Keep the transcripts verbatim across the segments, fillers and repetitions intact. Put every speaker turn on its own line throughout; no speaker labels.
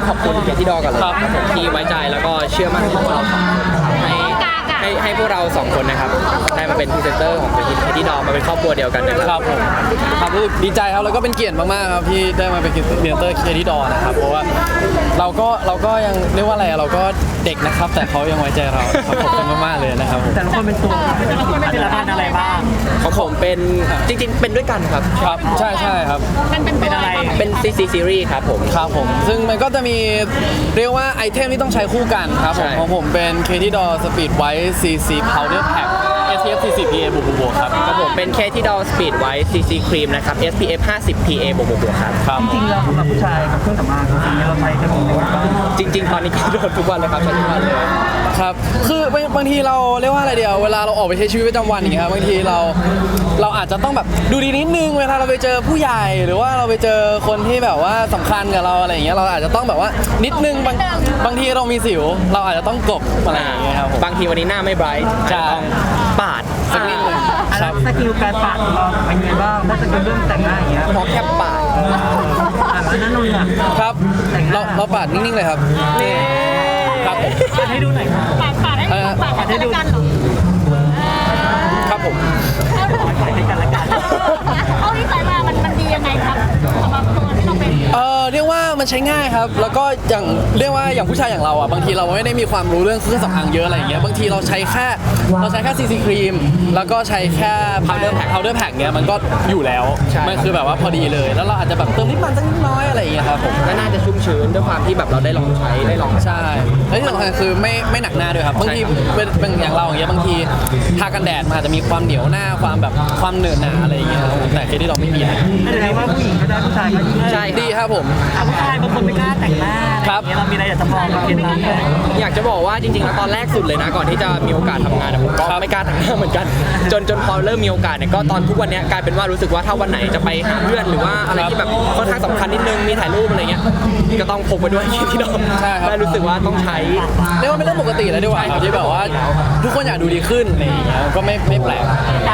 ขอบคุณเกียรติดอกันเลยครับผมที่ไว้ใจแล้วก็เชื่อมั่นในพวกเราสองคนให้ให้ให้พวกเราสองคนนะครับได้มาเป็นพรีเซนเตอร์ของเกียรติดอมาเป็นครอบครัวเดียวกันนะครับ
ผมครับรู้สึกดีใจครับแล้วก็เป็นเกียรติมากๆครับที่ได้มาเป็นพรีเซนเตอร์เกียรติดอนะครับเพราะว่าเราก็เราก็ยังเรียกว่าอะไรเราก็เด็กนะครับแต่เขายังไว้ใจเราครับขอบคุณมากๆเลยนะครับ
แต่ละคนเป็นตัวแต่ละคนเป็นละครอะไรบ้าง
ของผมเป็นจริงๆเป็นด้วยกันครับ
ครับใช่ใช่ครับ
เป็นอะไร
เป็น ซี ซี Series ครับผม
ครับผมซึ่งมันก็จะมีเรียกว่าไอเทมที่ต้องใช้คู่กันครับผมของผมเป็น เค ที ดอ Speed White ซี ซี Powder Pack เอ ที เอฟ สี่สิบ พี เอ บวกบวกครับ
ครับผมเป็น เค ที ดอ Speed White ซี ซี Cream นะครับ เอส พี เอฟ ห้าสิบ พี เอ บวกบวกครับ
จริงๆเรากับผู้ชายกับเครื่องสำอางจริงๆเราใช้กันหมดเลย
จริงๆตอนนี้ก็โดนทุกวันเลยครับใช้ทุกวันเลย
ครับคือบางทีเราเรียกว่าอะไรเดียวเวลาเราออกไปใช้ชีวิตประจำวันอย่างเงี้ยบางทีเราเราอาจจะต้องแบบดูดีนิดนึงเวลาเราไปเจอผู้ใหญ่หรือว่าเราไปเจอคนที่แบบว่าสำคัญกับเราอะไรอย่างเงี้ยเราอาจจะต้องแบบว่านิดนึงบางบางทีเรามีสิวเราอาจจะต้องกบอะไรอย่างเงี้ยครับ
บางทีวันนี้หน้าไม่ไบรท์ต้องปาด
สักนิดนึงครับสกิลการปาดของเราเป็นไงบ้างถ้าจะเป็นเรื่องแต่งหน้าอย่างเงี้ย
พอแค่ปาด
อ่าแล้วนั่นนู่นอ่ะ
ครับเราเราปาดนิ่งๆเลยครับนี่ครับผม
ปาดให้ดูหน่อยครับ
ปาดปาดให้ดูปาดให้ดูกันเหรอ
ครับผม
ปาดให้กันละกัน
เอาที่ใส่มามันมันดียังไงครับสำหรับตัวที่เราเป็น
เออเรียกว่ามันใช้ง่ายครับแล้วก็อย่างเรียกว่าอย่างผู้ชายอย่างเราอ่ะบางทีเราไม่ได้มีความรู้เรื่องเครื่องสำอางเยอะอะไรอย่างเงี้ยบางทีเราใช้แค่เราใช้แค่ ซี ซี ครีมแล้วก็ใช้แค่ powder pack powder pack เงี้ยมันก็อยู่แล้วมันคือแบบว่าพอดีเลยแล้วเราอาจจะแบบเติมนิดมันสักนิดน้อยอะไรอย่างเงี้ยครับผม
ก็น่าจะชุ่มชื้นด้วยความที่แบบเราได้ลองใช้ได้ลอง
ใช่แล้วที่สำคัญคือไม่ไม่หนักหน้าด้วยครับบางทีเป็นเป็นอย่างเราอย่างเงี้ยบางทีทากันแดดมันอาจจะมีความเหนียวหน้าความแบบความเหนอะหนาอะไรอย่างเงี้ยแต่ที่เราไม่มีนะ
แสดงว่าผู้หญิงก็ได้ผู้ชายก็ยิ่ง
ใช่ดีครับผม
ผู้ชายบางคนไม่กล้าแต่งหน้าครับเรามีอะไรอยากจะบอกกับเคล็ดลับ
อยากจะบอกว่าจริงๆแล้วตอนแรกสุดเลยนะก่อนที่จะมีโอกาสทำงานผมก็ไม่กล้าแต่งหน้าเหมือนกันจนจนพอเริ่มมีโอกาสเนี่ยก็ตอนทุกวันนี้กลายเป็นว่ารู้สึกว่าถ้าวันไหนจะไปหาเพื่อนหรือว่าอะไรที่แบบค่อนข้างสำคัญนิดนึงมีถ่ายรูปอะไรเงี้ยก็ต้องพกไปด้วยที่ดอมได้รู้สึกว่าต้องใช้
เรียกว่าไม่ต้องปกติแล้วดีกว่าที่แบบว่าทุกคนอยากดูดีขึ้นอะไรอย่างเงี้ยก็ไม่ไม่แปลก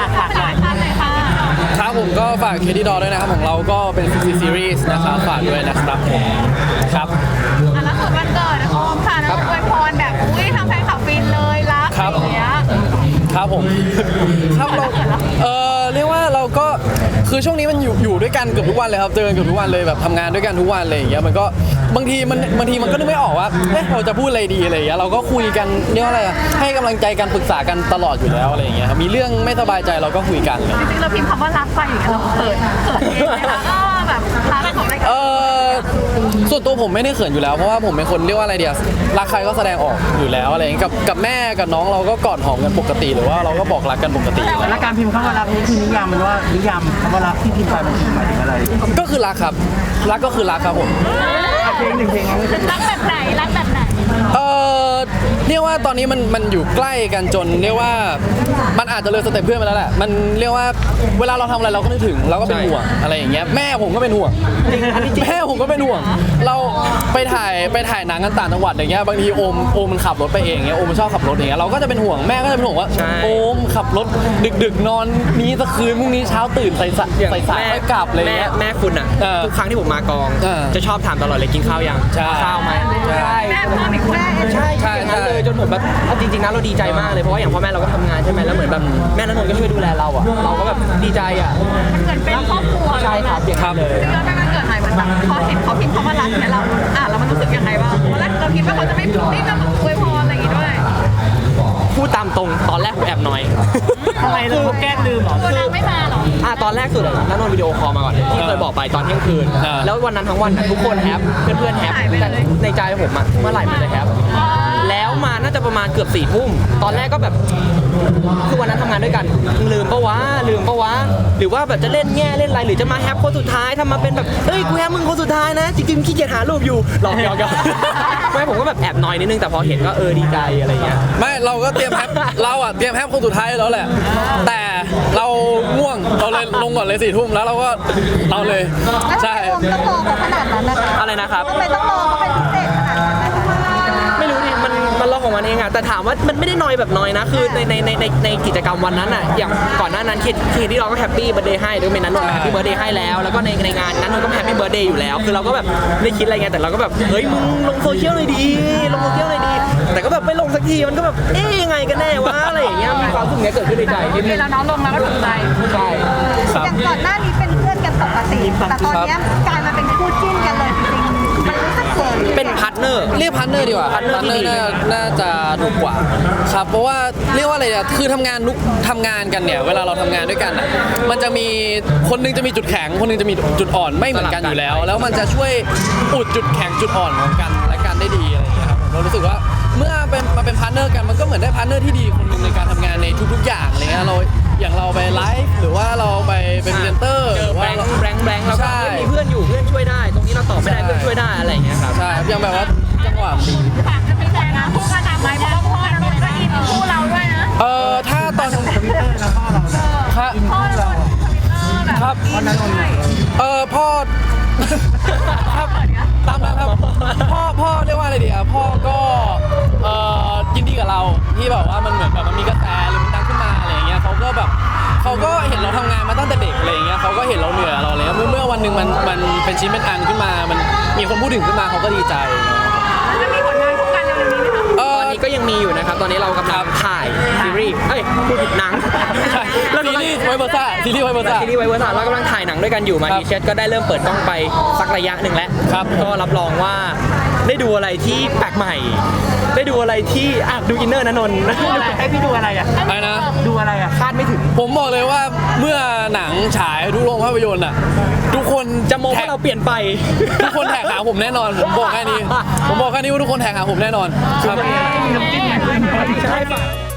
ครับผมก็ฝากเคที่ดอด้วยนะครับของเราก็เป็น ซี ซี Series นะครับฝากด้วยนะครับครับ
อ่ะแล้วส่วนวันเกิดนะโอมค่ะแล้วอวยพรแบบอุ้ยทำแฟนคลับฟินเลยรักอย่างเงี้ย
ครับผมครับเราเออเรียกว่าเราก็คือช่วงนี้มันอยู่อยู่ด้วยกันเกือบทุกวันเลยครับเจอกันเกือบทุกวันเลยแบบทำงานด้วยกันทุกวันอะไรอย่างเงี้ยมันก็บางทีมันบางทีมันก็นึกไม่ออกว่าเอ๊ะเราจะพูดอะไรดีอะไรอย่างเงี้ยเราก็คุยกันเรียกว่าอะไรให้กำลังใจกันปรึกษากันตลอดอยู่แล้วอะไรอย่างเงี้ยครับมีเรื่องไม่สบายใจเราก็คุยกัน
จริงๆเราพิมพ์คำว่ารักไปอย่างเงี้ยเราเขินเขินเองนะคะก็แบบรักของอะไรกัน
เออส่วนตัวผมไม่ได้เขินอยู่แล้วเพราะว่าผมเป็นคนเรียกว่าอะไรเดียวรักใครก็แสดงออกอยู่แล้วอะไรอย่างเงี้ยกับกับแม่กับน้องเราก็กอดหอมกันปกติหรือว่าเราก็บอกรักกันปกติ
แล้วการพิมพ์คำว่ารักนี่คือนิยามมันว่านิยามคำว่ารักที่พิมพ์ไปมันหมายถึงอะไร
ก็คือรักครับรักก็คือรักครับผม
เพลงหนึ่งเพลง
รักแบบไหนรักแบบไหน
เออเรียกว่าตอนนี้มันมันอยู่ใกล้กันจนเรียกว่ามันอาจจะเลยสเต็ปเพื่อนไปแล้วแหละมันเรียกว่าเวลาเราทำอะไรเราก็นึกถึงเราก็เป็นห่วงอะไรอย่างเงี้ยแม่ผมก็เป็นห่วงแม่ผมก็เป็นห่วงเราไปถ่ายไปถ่ายหนังกันต่างจังหวัดอย่างเงี้ยบางทีโอมโอมมันขับรถไปเองเงี้ยโอมมันชอบขับรถอย่างเงี้ยเราก็จะเป็นห่วงแม่ก็จะเป็นห่วงว่าโอมขับรถดึกๆนอนนี้สักคืนพรุ่งนี้เช้าตื่นใส่ใส่สายไม่กลับเลย
แม่แม่คุณอ่ะทุกครั้งที่ผมมากองจะชอบถามตลอดเลยกินข้าวยังข้าวไหม
ใช่แม่พ่อมีแม่
ใช่ใช่เลยจนผมแบบจริงๆนะเราดีใจมากเลยเพราะว่าอย่างพ่อแม่เราก็ทำงานใช่ไหมแล้วเหมือนแบบแม่และนนท์ก็ช่วยดูแลเราอ่ะเราก็แบบดีใจอ่ะ
มันเหมือนเป็นครอบครัว
ใช่ครับอย่างนั้นเลย
แล้วแม่มันเกิดใหม่เหมือนแบบพอเห็นเขาพิมพ์คำว่ารักเนี่ยเราอ่ะแล้วมันรู้สึกยังไงบ้างตอนแรกเราคิดว่าเขาจะไม่ไม่จะอวยพรอะไรอย่างงี้ด้วย
พูดตามตรงตอนแรกผมแอบน้อย
ทำไมเราแกล้งลืมหรอ
ตัวนางไม่มาหรอ
อ่ะตอนแรกสุดเลยนันนนท์วิดีโอคอลมาก่อนที่เคยบอกไปตอนเที่ยงคืนแล้ววันนั้นทั้งวันทุกคนแฮปเพื่อนๆแฮปแต่ในใจผมอ่ะเมื่อไหร่มันจะแฮปแล้วมาน่าจะประมาณเกือบสี่ทุ่มตอนแรกก็แบบคือวันนั้นทำงานด้วยกันลืมปะวะลืมปะวะหรือว่าแบบจะเล่นแง่เล่นอะไรหรือจะมาแฮปคนสุดท้ายทำมาเป็นแบบเอ้ยกูแฮปมึงคนสุดท้ายนะจริงๆขี้เกียจหารูปอยู่หลอกหยอกหยอกไม่ผมก็แบบแอบน้อยนิดนึงแต่พอเห็นก็เออดีใจอะไรเงี้ย
ไม่เราก็เตรียมแฮปเราอ่ะเตรียมแฮปคนสุดท้ายแล้วแหละแต่เราง่วงเราเลยลงก่อนเลยสี่ทุ่มแล้วเราก็เราเลยใช่
ต้องรอขนาดนั้นนะคะ
อะไรนะครับ
ทำไมต้องรอเขาเป็นพิเศษขนาดนั้นนะคะ
ไม่รู้ดิมันมันรอของมันเองอะแต่ถามว่ามันไม่ได้นอยแบบนอยนะคือในในในในในกิจกรรมวันนั้นอะอย่างก่อนหน้านั้นคิดคิดที่เราก็แฮปปี้เบิร์ดเดย์ให้ด้วยเป็นนั้นนนท์แฮปปี้เบิร์ดเดย์ให้แล้วแล้วก็ในในงานนั้นนนท์ก็แฮปปี้เบิร์ดเดย์อยู่แล้วคือเราก็แบบไม่คิดอะไรไงแต่เราก็แบบเฮ้ยมึงลงโซเชียลเลยดีลงโซเชียลเลยดีแต่ก็แบบไม่ลงสักทีมันก็แบบเอ๊ยยังไงกันแน่วะอะไรอย่างเงี้ยมีความรู้สึกเนี้ยเกิดขึ้นในใจนิดนึง
แล้วน้องลงแล้วก็ถูกใจ
ใช่
ครับ
อย่างก่อนหน้านี้เป็นเพื่อนกันปกติ แต่ตอนเนี้ยกลายมาเป็นคู่จิ้นกันเลยจริงๆมันรู้สึกเขิน
เป็นพาร์ทเนอร์
เรียกพาร์ทเนอร์ดีกว่า
พาร์ทเนอร์ที่ดี
น่าน่าจะถูกกว่าครับเพราะว่าเรียกว่าอะไรอะคือทำงานนุกทำงานกันเนี่ยเวลาเราทำงานด้วยกันอะมันจะมีคนหนึงจะมีจุดแข็งคนหนึงจะมีจุดอ่อนไม่เหมือนกันอยู่แล้ว แล้วมันจะช่วยอุดจุดแข็งจุดอ่อนของกันและกันได้ดีอะไรอย่างเงี้ยครับเรารู้สึกว่าเมื่อเป็นมาเป็นพาร์ทเนอร์กันมันก็เหมือนได้พาร์ทเนอร์ที่ดีคนหนึงในการทำงานในทุกๆอย่างอะไรเงี้ยเราอย่างเราไปไลฟ์หรือว่าเราไปเป็นพรีเซนเตอร์
เจ
ห
อ
รือ
แบ
ว่าง
ค์แบงค์แบงค์แล้วก็
ใช่
มีเพื่อนอยู่เพื่อนช่วยได้ ตรงนี้เราตอบไม่ได้เพื่อนช่วยได้อะไรอย่างเงี้ยครับ
ใช่อย่างแบบว่าจังหวะดี
ฝากจะเป็นแฟนนะคู่กันตามไหมเพราะว่าพ่อเราก็อินคู่เราด้วยนะ
เออถ้าตอน
ทวิตเตอร์แล้วพ่อเราเนี่ย
ครับ
พ่อเราทวิตเตอร์แบบ
ครับ
วันนั้นวันไหน
เออพ่อ ครับตามนั้นครับพ่อพ่อเรียกว่าอะไรดีอ่ะพ่อก็เอ่อยินดีกับเราที่แบบว่ามันเหมือนแบบมันมีกระแสหรือมันดังขึ้นมาอะไรอย่างเงี้ยเขาก็แบบเขาก็เห็นเราทำงานมาตั้งแต่เด็กอะไรอย่างเงี้ยเขาก็เห็นเราเหนื่อยเราอะไรเงี้ยเมื่อเมื่อวันหนึ่งมันมันเป็นชิ้นเป็นอันขึ้นมา มันมีคนพูดถึงขึ้นมาเขาก็ดีใจ
จะมีผลงานคู่กันเร็วๆนี้ไหมคะ
เอ
ต
อ
อนนี้ก็ยังมีอยู่นะครับ ตอนนี้เรากำลังถ่ายซีรีส์ เอ้ยพูดผิดหนัง
ใช่
เรา
ซี
กำลัง
รีส์ไวเบอร์ซ่าซีรีส์ไวเบอร์ซ่า
ซีรีส์ไวเวอร์สเรากำลังถ่ายหนังด้วยกันอยู่มา
ครับ
ดีเชสก็ได้เริ่มเปิดกล้องไปสักระยะหนึ่งแล้ว
ครับ
ก็รับรองว่าได้ดูอะไรที่แปลกใหม่ ได้ดูอะไรที่อ่ะดูอินเนอร์นะนนท์
ไอพี่ดูอะไรอ่ะ
อะไรนะ
ดูอะไรอ่ะ
คาดไม่ถึง
ผมบอกเลยว่าเมื่อหนังฉายทุกโรงภาพยนตร์อ่ะทุกคน
จะมองว่าเราเปลี่ยนไป
ทุกคนแท็กหาผมแน่นอน ผมบอกแค่นี้ ผมบอกแค่นี้ว่าทุกคนแท็กหาผมแน่นอนครับ
ใช่ฝาก